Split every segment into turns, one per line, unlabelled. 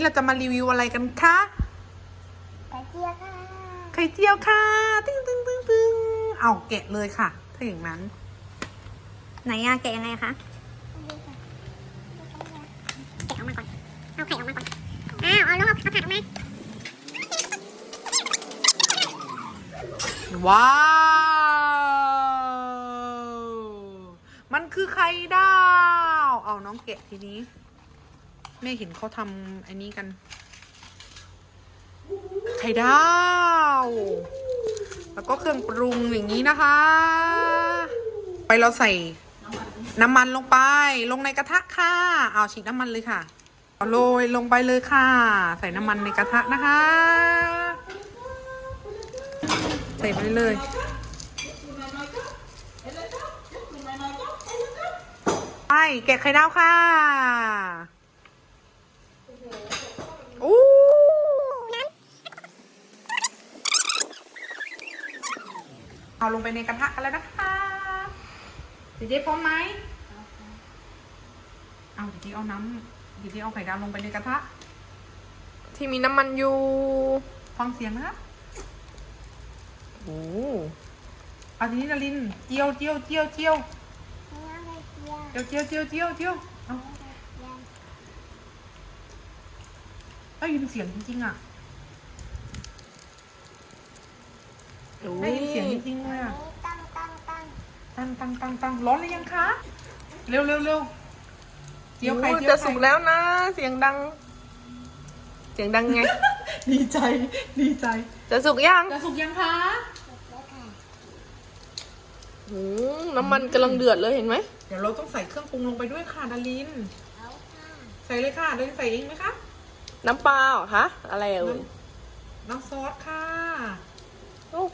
เราจะมารีวิวอะไรกันคะ
ไข่เจียวค่ะ
ไข่เจียวค่ะตึ้งตึ้งตึ้งตึ้งเอาแกะเลยค่ะถ้าอย่างนั้น
ไหนอะแกะยังไงคะแกะออกมาก่อนเอาไข่ออกมาก่อนเอาลูกเอาผักออกมา
ว้าวมันคือไข่ดาวเอาน้องแกะทีนี้แม่เห็นเขาทำอันนี้กันไข่ดาวแล้วก็เครื่องปรุงอย่างนี้นะคะ ไปเราใส่น้ำมันลงไปลงในกระทะค่ะเอาฉีดน้ำมันเลยค่ะเอาโรยลงไปเลยค่ะใส่น้ำมันในกระทะนะคะใส่ไปเลยไปแกะไข่ดาวค่ะอู้เอาลงไปในกระทะกันแล้วนะคะเจ๊พร้อมไหมเอาเจ๊เอาน้ำเจ๊เอาไข่ดาวลงไปในกระทะที่มีน้ำมันอยู่ฟังเสียงนะครับโอ้เอาทีนี้นารินเจียวเอาได้ยินเสียงจริงๆอ่ะได้ยินเสียงจริงๆเลยอ่ะตั้งร้อนหรือยังคะเร็วเจียวไข่จะสุกแล้วนะเสียงดังไง ดีใจจะสุกยังคะน้ำมันกำลังเดือดเลยเห็นไหมเดี๋ยวเราต้องใส่เครื่องปรุงลงไปด้วยค่ะดารินใส่เลยค่ะดารินใส่เองไหมคะ
น้ำปลาเหรอคะอะไรเอ่ย
น้ำซอสค่ะ
โอ้โห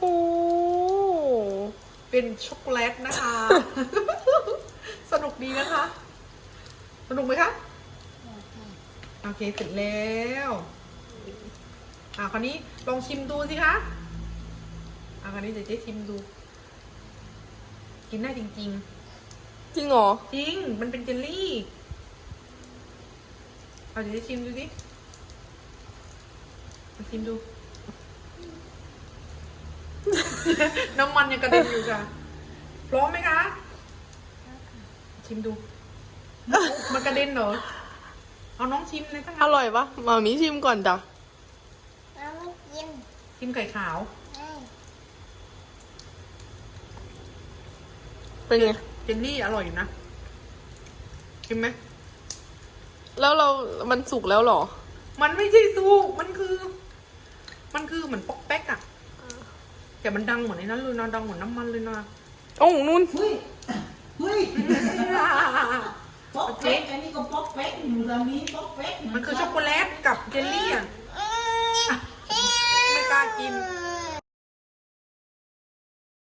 เป็นช็อกโกแลตนะคะ สนุกดีนะคะสนุกไหมคะโอเคเสร็จแล้วคราวนี้ลองชิมดูสิคะคราวนี้เดี๋ยวเจ๊ชิมดูกินได้จริง
จริงเหรอ
จริงมันเป็นเจลลี่เดี๋ยวเจ๊ชิมดูสิมาชิมดู น้ำมันยังกระเด็นอยู่ค่ะพร้อมไหมคะชิมดูมันกระเด็นเหรอเอาน้องชิมเลยค่ะ
อร่อยปะมามีชิมก่อนจ้ะ
ชิมไข่ขาว
เป็นไง
เจลลี่อร่อยอยู่นะชิมไหม
แล้วมันสุกแล้วเหรอ
มันไม่ใช่สุกมันคือเหมือนป๊อกแป๊กอะแต่มันดังเหมือนในนั้นเลยนะดังเหมือนน้ำมันเลยนะ
โอ้นุ่น
เฮ้ยป๊อกเป๊กอันนี้ก็ป๊อกเป๊กหมูรามีป๊อกเป๊ก
มันคือช็อกโกแลตกับเจลลี่อะไม่กล้ากิน